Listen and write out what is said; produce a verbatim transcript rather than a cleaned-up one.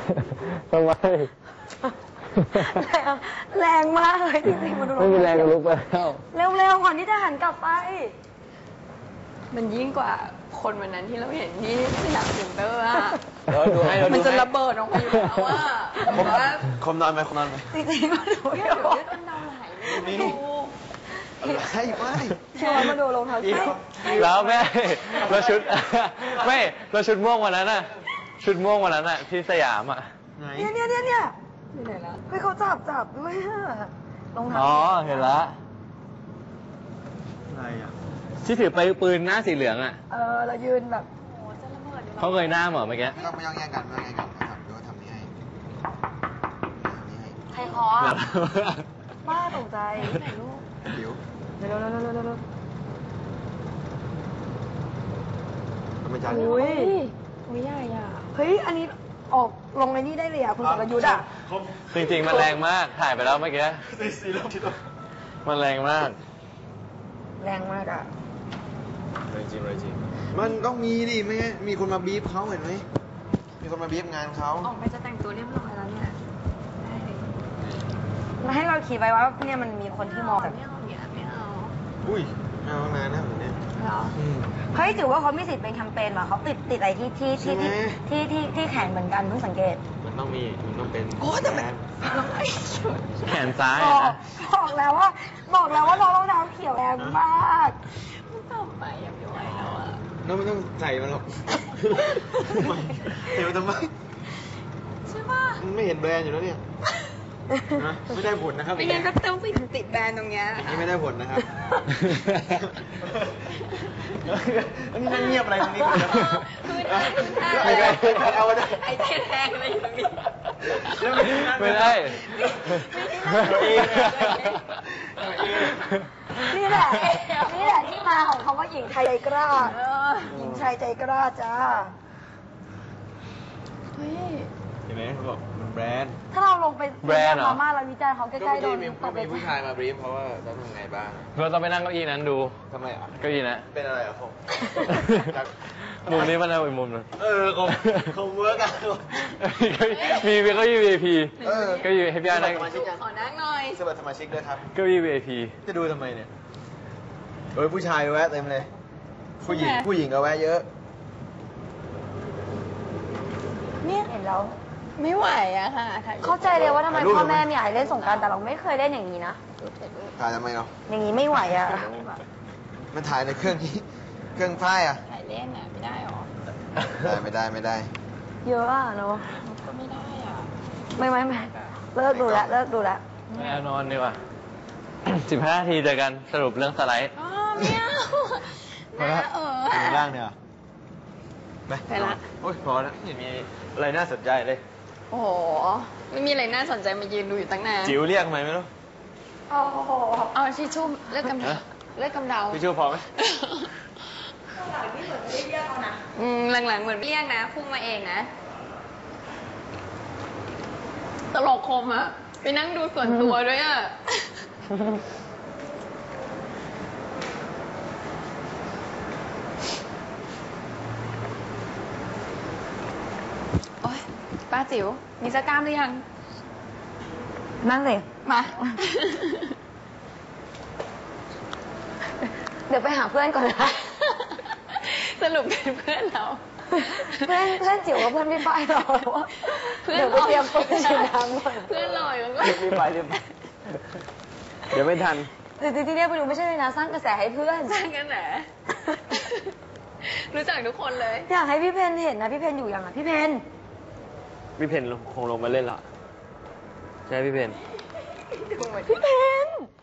ทำไมแรงมากเลยจริงๆมันดูไม่มีแรงก็ลุกไปแล้วเร็วๆก่อนที่จะหันกลับไปมันยิ่งกว่าคนวันนั้นที่เราเห็นที่สยามเซ็นเตอร์อะเราดูให้เราดูมันจะระเบิดออกมาอยู่แล้วว่าคมคมนอนไหมคมนอนไหมจริงๆมาดูเดี๋เดี๋ยยว วเลือดกำเดาไหลเลยนี่ดูให้ไม่ชวนมาดูรองเท้าใช่แล้วแม่เราชุดไม่เราชุดม่วงวันนั้นน่ะชุดม่วงวันนั้นน่ะที่สยามอ่ะเนี่ยเนี่ยเนี่ยเนี่ยที่ไหนละเฮ้ยเขาจับจับด้วยอะรองเท้าอ๋อเห็นละอะไรอ่ะที่ถือไปปืนหน้าสีเหลืองอ่ะเออเรายืนแบบโอ้จะระเบิดอยู่แล้วเขาเคยหน้าเหมือนเมื่อกี้ไม่ต้องไม่ต้องแย่งกันไม่ต้องแย่งกันนะครับเดี๋ยวทำนี้ให้ทำนี้ให้ใครคออะบ้าตกใจไหนลูกเดี๋ยวเร็วๆเร็วๆเร็วๆเร็วทำไมจานๆนี้อุ้ยอุ้ยใหญ่อะเฮ้ยอันนี้ออกลงในนี่ได้เลยอ่ะคุณสรยุทธ์อ่ะจริงๆมันแรงมากถ่ายไปแล้วเมื่อกี้ซีโร่ที่ต้องมันแรงมากแรงมากอ่ะแรงจริงแรงจริงมันต้องมีดิไม่งั้นมีคนมาบีบเขาเห็นไหมมีคนมาบีบงานเขาออกไปจะแต่งตัวเรียบร้อยแล้วเนี่ยได้เลยมาให้เราคิดไว้ว่าเนี่ยมันมีคนที่มองแบบไม่เอาเนี่ยไม่เอาอุ้ยไม่เอานานนะแบบนี้เหรอเฮ้ยถือว่าเขามีสิทธิ์เป็นแคมเปญว่ะเขาติดติดอะไรที่ที่ที่ใช่ไหมที่ที่ที่แขนเหมือนกันเพิ่งสังเกตมันต้องมีมันต้องเป็นโอ้แต่มันแขนซ้ายบอะอกนะบอกแล้วว่า บอกแล้วว่าน้องรองเท้าเขียวแรงมากมันต่ำไปยังไม่ไหวแล้วอะน้องไม่ต้องใส่มันหรอกทำไมเดี๋ยวทำไมใช่ป่ะมันไม่เห็นแบรนด์อยู่แล้วเนี่ยนะไม่ได้ผลนะครับไม่งั้นก็ต้องไปติดแบรนด์ตรงเนี้ยอย่างนี้ไม่ได้ผลนะครับอันนี้นั่งเงียบอะไรตรงนี้กันนะคือได้คือได้ไม่ได้เอาได้ไอ้เทียนแทงอะไรอยู่ตรงนี้ไม่ได้ตัวเองอะนี่แหละ นี่แหละที่มาของคำว่าหญิงไทยใจกล้าเออหญิงชายใจกล้าจ้าเฮ้ยเห็นไหมเขาบอกมันแบรนด์ถ้าเราลงไปแบรนด์เหรอมาม่าเราวิจารณ์เขาใกล้ๆโดนมีตบไปมีผู้ชายมาบรีฟเพราะว่าต้องทำไงบ้างเราต้องไปนั่งเก้าอี้นั้นดูทำไมอ่ะเก้าอี้นะเป็นอะไรอ่ะผมมุมนี้มันเอาอีกมุมหนึงเออคงคงเวิร์กอ่ะมีเก้าอี้ วี ไอ พีเออเก้าอี้ให้พี่อาร์นั่งสมาชิกยังขอนั่งหน่อยสมัครสมาชิกด้วยครับเก้าอี้ วี ไอ พีจะดูทำไมเนี่ยเอ้ยผู้ชายแวะเต็มเลย ผู้หญิงใช่ไหมผู้หญิงก็แวะเยอะเนี่ยเห็นแล้วไม่ไหวอะค่ะถ่ยรูปเข้าใจเลยว่าทำไมถ่ายรูปพ่อแม่ทำไมไม่อยากให้เล่นสงกรารแต่เราไม่เคยเล่นอย่างนี้นะถ่ายทำไมเนาะอย่างนี้ไม่ไหวอ่ะมันถ่ายในเครื่องที่ เครื่องพ่ายอ่ะถ่ายเล่นอะไม่ได้หรอได้ไม่ได้ไม่ได้เยอะอ่ะเนาะก็ไม่ได้อะไม่ไม่ไม่เลิกดูแล้วเลิกดูแล้วไม่เอานอนดีกว่า สิบห้านาทีเจอกันสรุปเรื่องสไลด์อ๋อไม่เอาน่าเอออยู่ล่างเนี่ยเหรอไปไปละโอ้ยพอแล้วไม่มีอะไรน่าสนใจเลยโอ้โห ไม่มีอะไรน่าสนใจมายืนดูอยู่ตั้งนานจิ๋วเรียกทำไมไม่รู้โอ้โหเอาทิชชู่เลือดกำเดาฮะเลือดกำเดาพี่ชูพอไหมอืมหลังๆเหมือนเรียกนะพุ่งมาเองนะ ตลกคมอะไปนั่งดูส่วนตัวด้วยอะโอ๊ยป้าจิ๋วมีสกล้ามหรือยังนั่งเลยมาเดี๋ยวไปหาเพื่อนก่อนนะสรุปเป็นเพื่อนเราเพื่อนเพื่อนจิ๋วกับเพื่อนพี่ป้ายเราว่าเพื่อนเดี๋ยวไปเตรียมตัวไปฉีดน้ำก่อนเพื่อนลอยมันก็รีบไปรีบไป เดี๋ยวไม่ทันจริงๆที่เรียกไปดูไม่ใช่เลยนะสร้างกระแสให้เพื่อนสร้างกันแหละ รู้จักทุกคนเลยอยากให้พี่เพนเห็นนะพี่เพนอยู่ยังอ่ะพี่เพนพี่เพนคงลงมาเล่นละใช่พี่เพนดูเหมือนพี่เพน